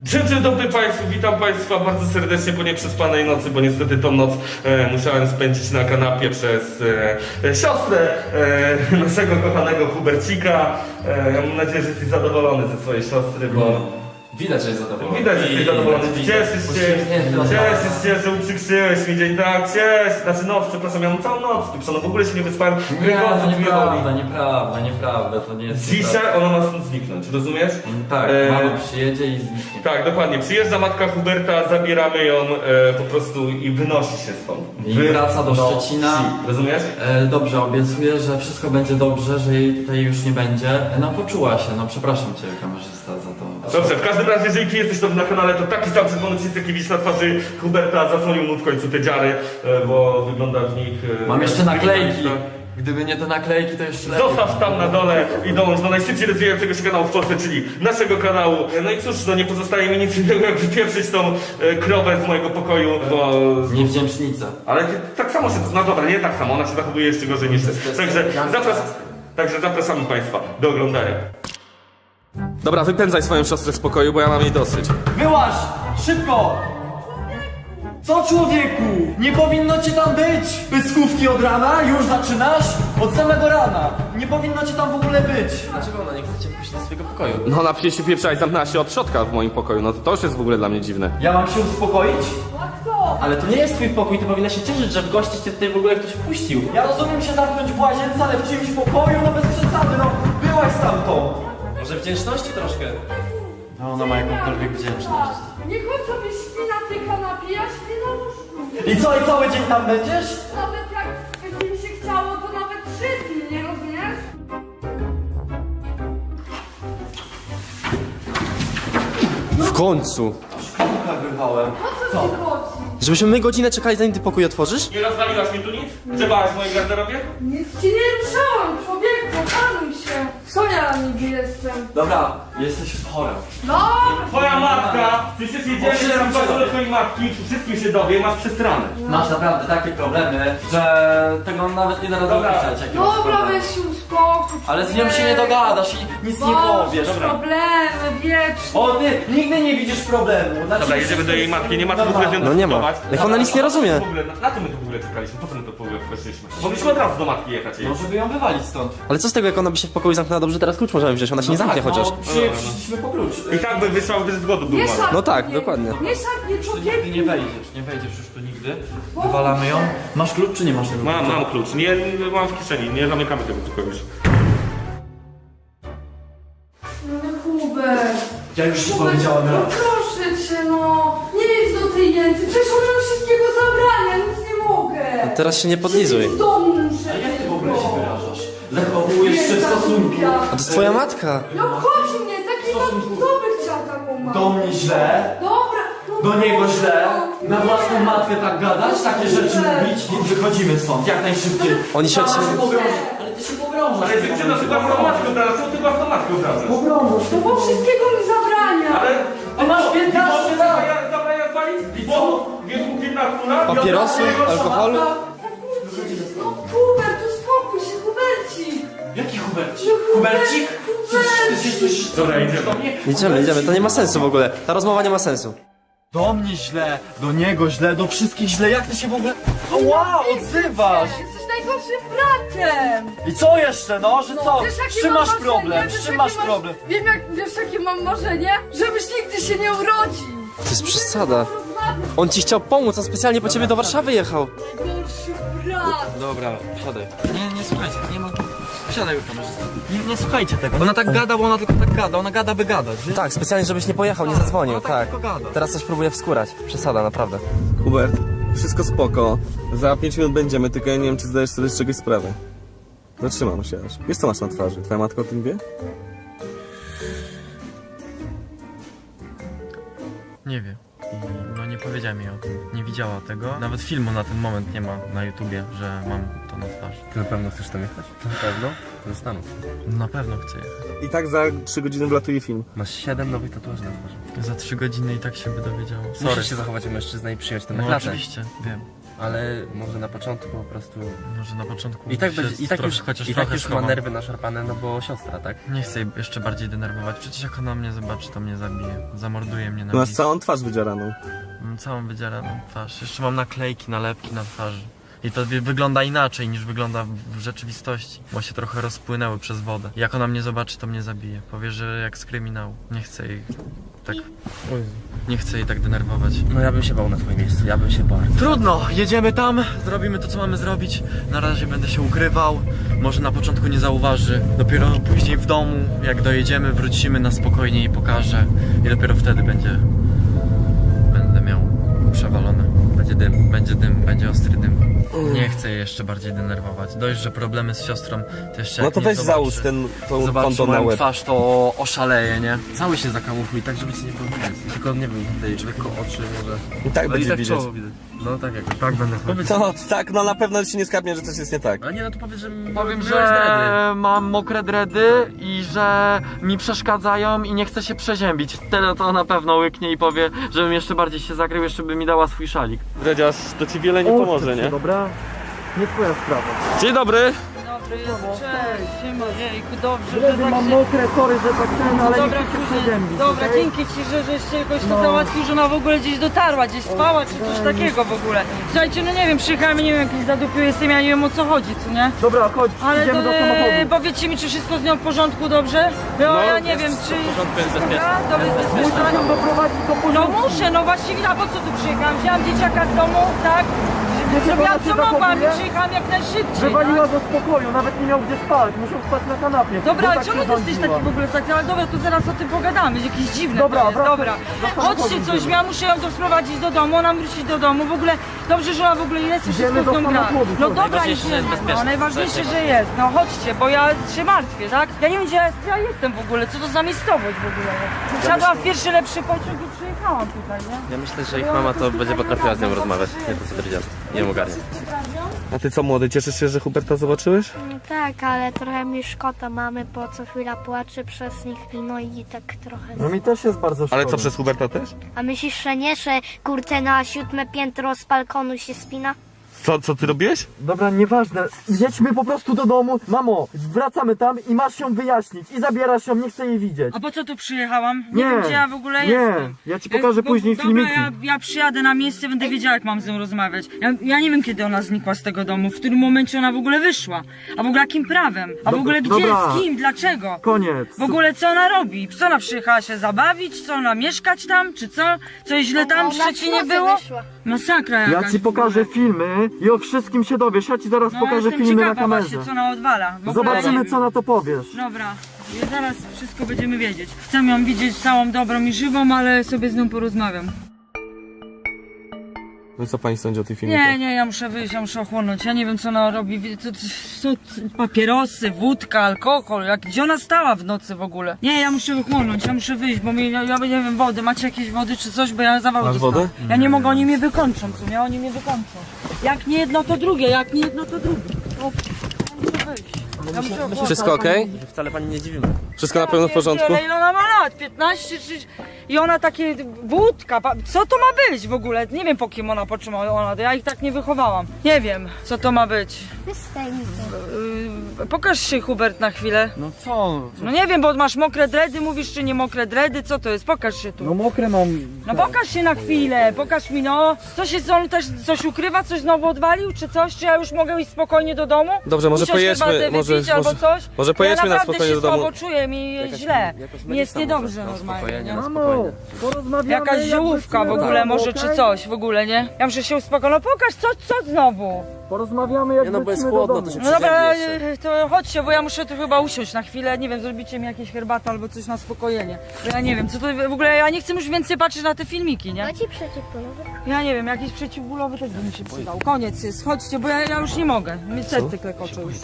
Dzień dobry Państwu, witam Państwa bardzo serdecznie po nieprzespanej nocy, bo niestety tą noc musiałem spędzić na kanapie przez siostrę naszego kochanego Hubercika. Mam nadzieję, że jesteś zadowolony ze swojej siostry, bo... Widać, że jest zadowolony. Widać, że jesteś zadowolony. Cieszysz się, że uprzykrzyłeś mi dzień, tak? Znaczy noc, przepraszam, ja mam całą noc, no w ogóle się nie wyspałem. Nie, to nieprawda, to nie jest Dzisiaj ona ma stąd zniknąć, rozumiesz? Tak, mama przyjedzie i zniknie. Tak, dokładnie. Przyjeżdża matka Huberta, zabieramy ją po prostu i wynosi się stąd. I wraca do Szczecina. Rozumiesz? Dobrze, obiecuję, że wszystko będzie dobrze, że jej tutaj już nie będzie. No poczuła się, no przepraszam cię kamerzysta za to. Dobrze, w każdym razie, jeżeli ty jesteś na kanale, to taki sam czerwony przycisk jaki widzisz na twarzy Huberta zasłonił mu w końcu te dziary, bo wygląda w nich... Mam jeszcze naklejki. Gdyby nie te naklejki, to jeszcze lepiej. Zostaw tam na dole i dołącz do najszybciej rozwijającego się kanału w Polsce, czyli naszego kanału. No i cóż, no nie pozostaje mi nic innego, jak wypieprzyć tą krowę z mojego pokoju, bo... Niewdzięcznica. Ale ty, tak samo się... No dobra, nie tak samo, ona się zachowuje jeszcze gorzej niż ty. Także zapraszamy Państwa do oglądania. Dobra, wypędzaj swoją siostrę z pokoju, bo ja mam jej dosyć. Wyłaź! Szybko! Co człowieku? Nie powinno cię tam być! Pyskówki od rana? Już zaczynasz? Od samego rana! Nie powinno cię tam w ogóle być! Dlaczego ona nie chce cię wpuścić do swojego pokoju? No ona przecież się pieprzała i zamknęła się od środka w moim pokoju, no to już jest w ogóle dla mnie dziwne. Ja mam się uspokoić? Ale to nie jest twój pokój, ty powinna się cieszyć, że w gości cię tutaj w ogóle ktoś wpuścił. Ja rozumiem się zamknąć w łazience, ale w czyimś pokoju? No bez przesady, no! Byłaś stamtąd! Może wdzięczności troszkę? No ona ma jakąkolwiek wdzięczność. Niech on sobie śpi na tej kanapie, ja śpię na łóżku. I co, i cały dzień tam będziesz? Nawet jak by mi się chciało, to nawet 3 dni, nie rozumiesz? W końcu! Szklanka wyrwałem. O co ci chodzi? Żebyśmy my godzinę czekali, zanim ty pokój otworzysz? Nie rozwaliłaś mi tu nic? Grzebałaś w mojej garderobie? Nic ci nie ruszałam, człowieku, panuj się. Co ja niby jestem? Dobra, jesteś chora. No, Twoja matka, przecież jedziemy Owszem, tam owszem. do twojej matki, wszystkim się dowie, masz przesrane. Masz naprawdę takie problemy, że tego nawet nie da rady Dobra. opisać. jakie masz dobra, problemy. weź się uspokój. Ale z nią się nie dogadasz i nic nie powiesz. Masz problemy wieczne. O, ty nigdy nie widzisz problemu. Znaczy, Dobra, jedziemy do jej matki, nie ma co w ogóle z nią No nie ma. dyskutować. Jak ona nic nie rozumie. W ogóle, na co my tu w ogóle czekaliśmy? Po co my to w ogóle weszliśmy? Mogliśmy od razu do matki jechać jej. No żeby ją wywalić stąd. Ale co z tego, jak ona by się w pokoju zamknęła dobrze, teraz klucz możemy wziąć, ona się nie zamknie chociaż. No, przyszliśmy po klucz. I tak by wyszła, gdyż z głodu był Nie mały. szarpnij No tak, mnie. dokładnie. Nie szarpnij, Tu człowieku. nigdy nie wejdziesz już tu nigdy. Wywalamy ją. Masz klucz czy nie masz tego? Mam klucz, nie mam w kieszeni, nie zamykamy tego tylko już. No Hubert. Ja już ci Hubert, powiedziałem no raz. proszę cię, no. Nie jedź do tej Jęcy, przecież ona nam wszystkiego zabrania, nic nie mogę. Teraz się nie podlizuj. Z domu muszę. A jak ty w ogóle się wyrażasz? Zachowujesz się w stosunku A to jest twoja matka! No chodź mnie, taki kto by chciał taką mamę? do mnie źle, Dobra. no do niego dobra, źle, no. na własną matkę tak gadać, takie rzeczy mówić, więc wychodzimy stąd, jak najszybciej. Oni się od Sama siebie... pogrążasz. Ale ty się pogrążasz. Ale dziewczyna, ty własną matkę obrażasz, co ty własną matkę obrażasz? Pogrążasz. No bo wszystkiego mi zabrania. Ale... Ty masz 15 lat. Zabrania zwalić? I co? W wieku 15 lat? Papierosy, alkoholu? No Hubert, uspokój się, Hubercik. Jaki Hubercik? No, Hubercik? Ty Hubercik. coś... Dobra, idziemy. Idziemy, to nie ma sensu w ogóle. Ta rozmowa nie ma sensu. Do mnie źle, do niego źle, do wszystkich źle, jak ty się w ogóle... O, wow, odzywasz! Jesteś najgorszym bratem. I co jeszcze, no, że co? Wiesz, jakie Z czym mam masz marzenie? problem? Wiesz, Z czym jakie masz problem? Wiem, wiesz jakie mam marzenie? Żebyś nigdy się nie urodził. To jest przesada. On ci chciał pomóc, on specjalnie po ciebie do Warszawy jechał. Najgorszy brat. Dobra, siadaj. Nie słuchajcie, nie ma... Siadaj już kamerzysta. Nie słuchajcie tego. Ona tak gada, bo ona tylko tak gada. Ona gada, by gadać. Wiesz? Tak, specjalnie żebyś nie pojechał, nie zadzwonił, Ona tak. tylko gada. Teraz coś próbuję wskórać. Przesada, naprawdę. Hubert, wszystko spoko. Za 5 minut będziemy, tylko ja nie wiem, czy zdajesz sobie z czegoś sprawę. Zatrzymam się aż. Wiesz, co masz na twarzy? Twoja matka o tym wie? Nie wie. I no nie powiedziała mi o tym. Nie widziała tego. Nawet filmu na ten moment nie ma na YouTubie, że mam to na twarzy. Ty na pewno chcesz tam jechać? Na pewno? Zastanów się. Na pewno chcę jechać. I tak za 3 godziny wlatuje film. Masz 7 nowych tatuaży na twarzy. Za 3 godziny i tak się by dowiedziało. Sorry. Musisz się zachować jak mężczyzna i przyjąć ten No naklatę. oczywiście, wiem. Ale może na początku po prostu... Może na początku I tak, się będzie, i tak już, chociaż i tak trochę już ma schowam. nerwy naszarpane, no bo siostra, tak? Nie chcę jej jeszcze bardziej denerwować, przecież jak ona mnie zobaczy, to mnie zabije. Zamorduje mnie na Masz miejscu. całą twarz wydzieraną. Mam całą wydzieraną twarz. Jeszcze mam naklejki, nalepki na twarzy. I to wygląda inaczej niż wygląda w rzeczywistości, bo się trochę rozpłynęły przez wodę. Jak ona mnie zobaczy, to mnie zabije. Powie, że jak z kryminału. Nie chcę jej tak... Nie chcę jej tak denerwować. No ja bym się bał na twoim miejscu, ja bym się bał. Trudno, jedziemy tam, zrobimy to co mamy zrobić. Na razie będę się ukrywał, może na początku nie zauważy. Dopiero później w domu, jak dojedziemy, wrócimy na spokojnie i pokażę. I dopiero wtedy będę miał przewalone. Będzie dym. Będzie ostry dym. Nie chcę jej jeszcze bardziej denerwować. Dość, że problemy z siostrą to jeszcze No jak to nie weź zobaczy, załóż tą zobaczy konto na moją łeb. twarz, to oszaleje, nie? Cały się zakamufluj, tak żeby ci nie było widać. Tylko nie wiem, tutaj lekko oczy może. I tak No i będzie tak widać. czoło widać. No tak jakoś. Tak będę Powiedz, No tak, no na pewno ci nie skapnie, że coś jest nie tak. a nie, no to powiedz, że... Powiem, miałeś że dredy. mam mokre dredy i że mi przeszkadzają i nie chcę się przeziębić. Tyle to na pewno łyknie i powie, żebym jeszcze bardziej się zakrył, jeszcze by mi dała swój szalik. Dredziarz, to ci wiele nie pomoże, nie? Dobra? Nie twoja sprawa. Dzień dobry! Dobry, cześć, siema, jejku, dobrze, Dredy że tak mam się... mokre, sorry, że tak ten, ale Dobra, nie chcę się kurde, przeziębić. dobra, okej? dzięki ci, żeś się jakoś to załatwił, że ona w ogóle gdzieś dotarła, gdzieś spała, czy coś takiego w ogóle. Słuchajcie, no nie wiem, przyjechałem, nie wiem, jakiś zadupił jestem, ja nie wiem o co chodzi, co nie? Dobra, chodź, Ale idziemy to, do samochodu. powiedzcie mi, czy wszystko z nią w porządku, dobrze? No, ja nie wiem, czy... W porządku, jest bezpieczne. To jest bezpieczne. Musisz ją doprowadzić do No porządku. muszę, no właściwie, a po co tu przyjechałam? Wzięłam dzieciaka z domu, tak? Zrobiłam co ona się mogłam i zachowuje? przyjechałam jak najszybciej, Wywaliła tak? do spokoju, nawet nie miał gdzie spać, musiał spać na kanapie. Dobra, bo ale tak czemu się ty jesteś rządziła. taki w ogóle taki? Ale dobra, to zaraz o tym pogadamy, jakieś dziwne Dobra, to jest, wracaj dobra. do samochodu Chodźcie coś, idziemy. ja muszę ją doprowadzić do domu, ona wrócić do domu, w ogóle dobrze, że ona w ogóle jest i Idziemy wszystko z do nią gra. samochodu, No chodź. dobra, Najważniejsze, że jest idziemy, bezpieczne. no najważniejsze, że jest, no chodźcie, bo ja się martwię, tak? Ja nie wiem, gdzie ja jestem w ogóle, co to za miejscowość w ogóle. Wsiadłam w pierwszy lepszy pociąg i przyjechałam tutaj, nie? Ja myślę, że ich mama to będzie potrafiła z nią rozmawiać. Nie to co powiedziałem. Nie ogarnia. A ty co młody, cieszysz się, że Huberta zobaczyłeś? Tak, ale trochę mi szkoda mamy, bo co chwila płacze przez nich no i tak trochę... No mi też jest bardzo szkoda. Ale co, przez Huberta też? A myślisz, że nie, że kurczę na 7. piętro z balkonu się spina? Co ty robiłeś? Dobra, nieważne. Jedźmy po prostu do domu. Mamo, wracamy tam i masz ją wyjaśnić. I zabierasz ją, nie chcę jej widzieć. A po co tu przyjechałam? Nie, wiem, gdzie ja w ogóle nie. jestem. Ja ci pokażę później dobra, filmiki. ja przyjadę na miejsce, będę wiedziała, jak mam z nią rozmawiać. Ja nie wiem, kiedy ona znikła z tego domu, w którym momencie ona w ogóle wyszła. A w ogóle jakim prawem? A w ogóle gdzie, dobra. z kim, dlaczego? Koniec. W ogóle co ona robi? Co ona przyjechała się zabawić? Co ona mieszkać tam? Czy co? Coś źle tam w Szczecinie było? Masakra jakaś. Ja ci pokażę filmy i o wszystkim się dowiesz. Ja ci zaraz No, pokażę jestem filmy na ciekawa kamerze. właśnie, co ona odwala. W ogóle nie Zobaczymy, wiem. co na to powiesz. Dobra, ja zaraz wszystko będziemy wiedzieć. Chcę ją widzieć całą dobrą i żywą, ale sobie z nią porozmawiam. No i co pani sądzi o tej filmie? Nie, ja muszę wyjść, ja muszę ochłonąć. Ja nie wiem, co ona robi. To papierosy, wódka, alkohol. Gdzie ona stała w nocy w ogóle? Nie, ja muszę ochłonąć, ja muszę wyjść, bo ja nie wiem, wody. Macie jakieś wody czy coś, bo ja zawał Masz dostałam. wodę? Ja nie mogę, oni mnie wykończą, co nie? Oni mnie wykończą. Jak nie jedno, to drugie, jak nie jedno, to drugie. O, ja muszę wyjść. Ja muszę ochłonąć. Wszystko okej? Wcale pani nie dziwimy. Wszystko na pewno w porządku? Ale ile ona ma lat? 15 czy... I ona takie wódka, co to ma być w ogóle? Nie wiem, po kim ona, po czym ona, ja ich tak nie wychowałam. Nie wiem, co to ma być. Wystań mi to. Pokaż się, Hubert, na chwilę. No co? No nie wiem, bo masz mokre dredy, mówisz, czy nie mokre dredy, co to jest? Pokaż się tu. No mokre mam. No pokaż się na chwilę, pokaż mi, no. Co się, on też coś ukrywa, coś znowu odwalił, czy coś? Czy ja już mogę iść spokojnie do domu? Dobrze, może Usiąść, pojedźmy, herbatę wypić albo coś? może pojedźmy ja na spokojnie do domu. naprawdę się słabo czuję, mi jest źle. Mi jest niedobrze normalnie, nie? Mamo, porozmawiamy. Jakaś jak żółwka w wrócimy ogóle do domu, może, czy okej? coś w ogóle, nie? Ja muszę się uspokoić, no pokaż, co znowu? Porozmawiamy jak Nie no, bo jest wrócimy do chłodno, domu. to się No dobra, przeziębi jeszcze. to chodźcie, bo ja muszę tu chyba usiąść na chwilę, nie wiem, zrobicie mi jakieś herbatę albo coś na spokojenie. Bo ja nie wiem, co to w ogóle, ja nie chcę już więcej patrzeć na te filmiki, nie? No ci przeciwpolowy. Ja nie wiem, jakiś przeciwbólowy też by mi się przydał. Koniec jest, chodźcie, bo ja już nie mogę, mi serce klekocze już.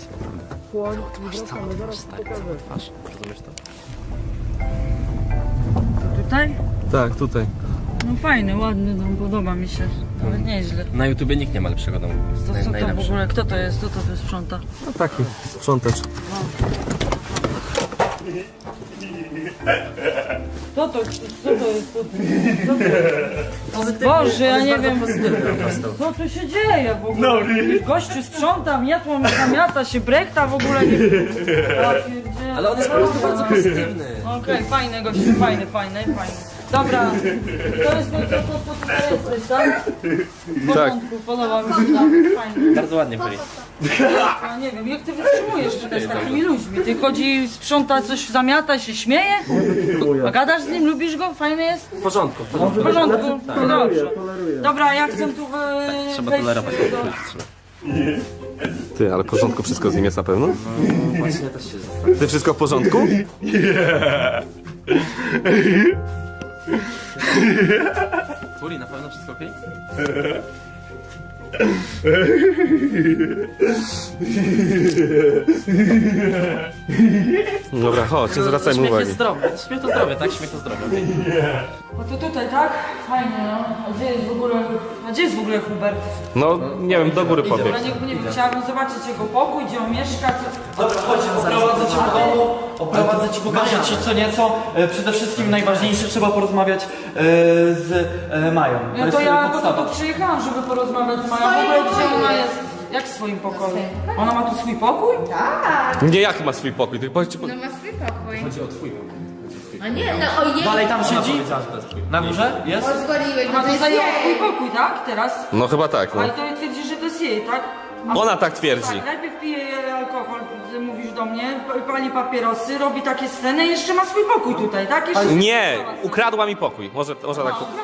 Rozumiesz to? To tutaj? Tak, tutaj. No fajny, ładny dom, podoba mi się, nawet nieźle. Na YouTubie nikt nie ma lepszego domu. To co to w Najlepszy. ogóle, kto to jest, kto to tu sprząta? No taki sprzątacz. Co to jest? Boże, ja nie wiem. Co tu się dzieje w ogóle? Gościu sprząta, zamiata się, brechta w ogóle nie... Ale on jest po prostu bardzo pozytywny. Okej, fajny gościu, fajny. Dobra, to jest to tutaj jesteś, tak? W porządku, podoba mi się, tak, fajnie. Bardzo ładnie byli. Ja nie wiem, jak ty wytrzymujesz tutaj z takimi ludźmi? Ty chodzi, sprząta coś, zamiata się, śmieje? A gadasz z nim, lubisz go? Fajny jest? W porządku. W porządku? No dobrze. Dobra, ja chcę tu Trzeba wejść tolerować. Ty, ale w porządku wszystko z nim jest na pewno? Właśnie też się zastanawiam. Ty wszystko w porządku? Tuli, na pewno wszystko okej? Dobra, chodź, nie zwracajmy Śmiech uwagi. jest zdrowy. Śmiech to zdrowie, tak? Śmiech to zdrowie. No to tutaj, tak? Fajnie, no. A gdzie jest w ogóle Hubert? No, nie wiem, do góry pobiegł. Ja nie wiem, chciałabym zobaczyć jego pokój, gdzie on mieszka, co... Dobra, chodź, oprowadzę cię po domu, oprowadzę ci, pokażę ci co nieco. Przede wszystkim najważniejsze, trzeba porozmawiać z Mają. No jest to ja po podstawa. to tu przyjechałam, żeby porozmawiać z Mają. W ogóle gdzie ona jest? Jak w swoim pokoju? Ona ma tu swój pokój? Nie, jaki ma swój pokój? Ty powiedz ci... No ma swój pokój. Chodzi o twój. A nie, no ojej. Dalej tam siedzi? Powiedziała, że to jest twój. Na górze? Jest? Pozwoliłeś, bo Ona to tu jest zajęła swój jej. pokój, tak? Teraz? No chyba tak, no. Ale to twierdzi, że to jest jej, tak? Ona tak twierdzi. Tak, najpierw pije alkohol, mówisz do mnie, pali papierosy, robi takie sceny i jeszcze ma swój pokój tutaj, tak? Jeszcze Nie, ukradła mi pokój. Może tak...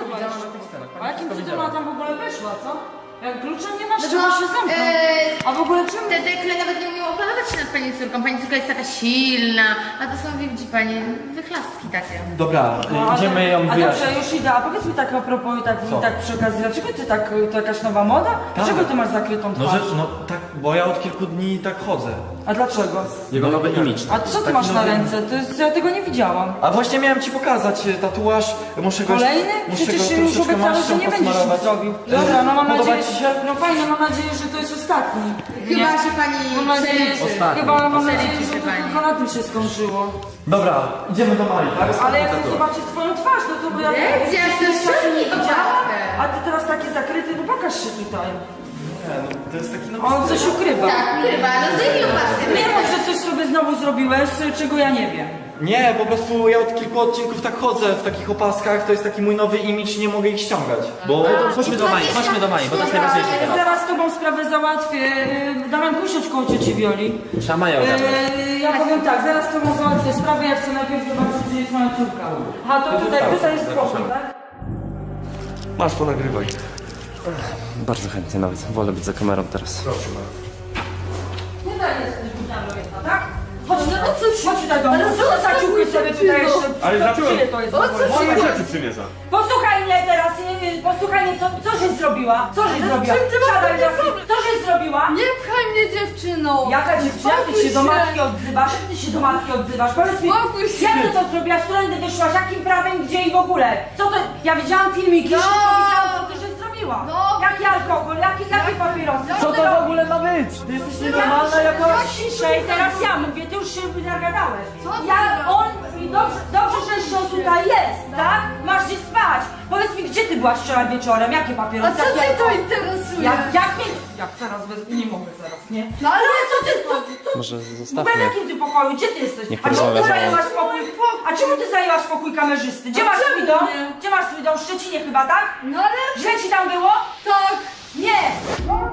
A jakim cudem ona tam w ogóle weszła, co? Jak kluczem nie masz, No trzeba to, się zamknąć. A w ogóle czemu? Te dekle nawet nie umieją opanować się nad pani córką. Pani córka jest taka silna, a to są, widzi pani, wychlastki takie. Dobra, No, idziemy ją a wyjaśnić. dobrze, już idę. A powiedz mi tak a propos, tak przy okazji, dlaczego ty tak, to jakaś nowa moda? Dlaczego ty masz zakrytą No, twarz? no tak, bo ja od kilku dni tak chodzę. A dlaczego? Jego nowy imidż. A co ty masz na ręce? To jest, ja tego nie widziałam. A właśnie miałem ci pokazać tatuaż, muszę go Kolejny? muszę Przecież go się już troszeczkę obiecałeś, że maścią nie będziesz nic posmarować. zrobił. Dobra, no mam Podoba nadzieję, ci się? no fajnie, mam nadzieję, że to jest ostatni. Chyba się pani Mam nadzieję, przeliczy. chyba mam nadzieję, Przeliczy że się to pani. tylko na tym się skończyło. Dobra, idziemy do Marii, tak? Ale ja chcę zobaczyć twoją twarz, no to bo ja Jest, ja jeszcze też czasu nie szybko widziałam. patrzę. A ty teraz taki zakryty, no pokaż się tutaj. Nie, no, to jest taki nowy On coś ukrywa. Tak, chyba, no zdejmij opaskę. Nie mów, że coś sobie znowu zrobiłeś, czego ja nie wiem. Nie, po prostu ja od kilku odcinków tak chodzę w takich opaskach, to jest taki mój nowy imidż, nie mogę ich ściągać. Bo Chodźmy do Mai, bo to jest najważniejsze teraz. Zaraz z tobą sprawę załatwię. Damian, usiądź koło cioci Wioli. Trzeba Maję ogarnąć. Ja powiem tak, zaraz z tobą załatwię sprawę, ja chcę najpierw zobaczyć, gdzie jest moja córka. A to tutaj jest spokój, tak? Masz, ponagrywaj. Bardzo chętnie nawet. Wolę być za kamerą teraz. Tutaj jesteś budziarą jedna, tak? Chodź, no chodź tutaj do mnie. Co za ciuchy sobie tutaj jeszcze? Ale co, dlaczego? czyje to jest w ogóle? Moje rzeczy przymierza. Posłuchaj mnie teraz, posłuchaj mnie, co żeś zrobiła? Co żeś zrobiła? Siadaj teraz, co żeś zrobiła? Nie pchaj mnie dziewczyną. Jaka dziewczyna? Ty się do matki odzywasz? Jak ty się do matki odzywasz? Powiedz mi, Spokój się. jak ty to zrobiłaś? Którędy wyszłaś? Jakim prawem? Gdzie i w ogóle? Co to? Ja widziałam filmiki, No. szybko widziałam, co ty żeś zrobiła. No. Jaki alkohol? Jakie papierosy? co to w ogóle ma być? Ty jesteś nienormalna jakaś? Ciszej, teraz ja mówię, ty już się nagadałeś. Co ty Ja, gadasz? on, i dobrze, że jeszcze on tutaj jest, tak? Masz gdzie spać. Powiedz mi, gdzie ty byłaś wczoraj wieczorem? Jakie A papierosy? co Jakie cię to alkohol? interesuje? Jak mnie... Jak teraz, nie mogę zaraz, nie? No ale Co ty, co Może w ogóle w zostawmy. jakim ty pokoju? Gdzie ty jesteś? Niech A czemu ty porozmawia ze mną. zajęłaś pokój? A czemu ty zajęłaś pokój kamerzysty? Gdzie masz swój dom? nie? Gdzie masz swój dom? W Szczecinie chyba, tak? No ale Źle ci tam było? tak. Nie!